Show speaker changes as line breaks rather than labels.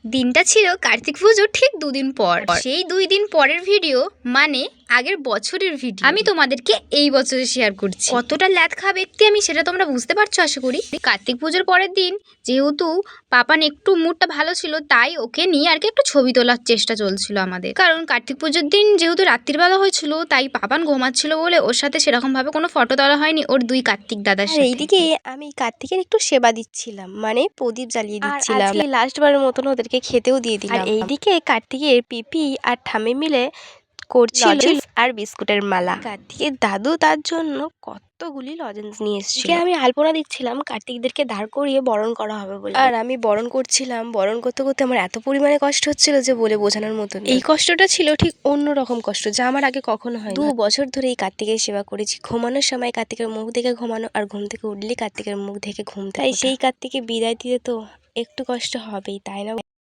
দিনটা ছিল কার্তিক পুজোর ঠিক 2 দিন পর। সেই 2 দিন পরের ভিডিও মানে আগের বছরের ভিডিও আমি তোমাদেরকে এই বছরে শেয়ার করছি। কতটা ল্যাদ খা ব্যক্তি আমি সেটা তোমরা বুঝতে পারছো আশা করি। কার্তিক পুজোর পরের দিন যেহেতু পাপান একটু মুডটা ভালো ছিল, তাই ওকে নিয়ে আর কি একটু ছবি তোলার চেষ্টা চলছিল আমাদের। কারণ কার্তিক পুজোর দিন যেহেতু রাত্রিবেলা হয়েছিল, তাই পাপান ঘুমাচ্ছিল বলে ওর সাথে সেরকম ভাবে কোনো ফটো তোলা হয়নি ওর 2 কার্তিক দাদার সাথে।
এইদিকে আমি কার্তিকের একটু সেবা দিচ্ছিলাম, মানে প্রদীপ জ্বালিয়ে দিচ্ছিলাম। লাস্টবারের মতন ওদেরকে খেতেও দিয়ে দিলাম। আর এইদিকে কার্তিকের পিপি আর ঠাম্মি মিলে করছিল আর বিস্কুটের মালা। কার্তিকের দাদু তার জন্য কতগুলি লজেন্স নিয়ে এসেছিল। আমি আলপনা দিচ্ছিলাম, কার্তিকদেরকে দাঁড় করিয়ে বরণ করা হবে বলে। আর আমি বরণ করছিলাম, বরণ করতে করতে আমার এত পরিমাণে কষ্ট হচ্ছিল যে বলে বোঝানোর মতন। এই কষ্টটা ছিল ঠিক অন্যরকম কষ্ট, যা আমার আগে কখনো হয়। 2 বছর ধরে এই কার্তিকের সেবা করেছি। ঘুমানোর সময় কার্তিকের মুখ দেখে ঘুমানো, আর ঘুম থেকে উঠলে কার্তিকের মুখ দেখে ঘুম। তাই সেই কার্তিকে বিদায় দিতে তো একটু কষ্ট হবেই, তাই না?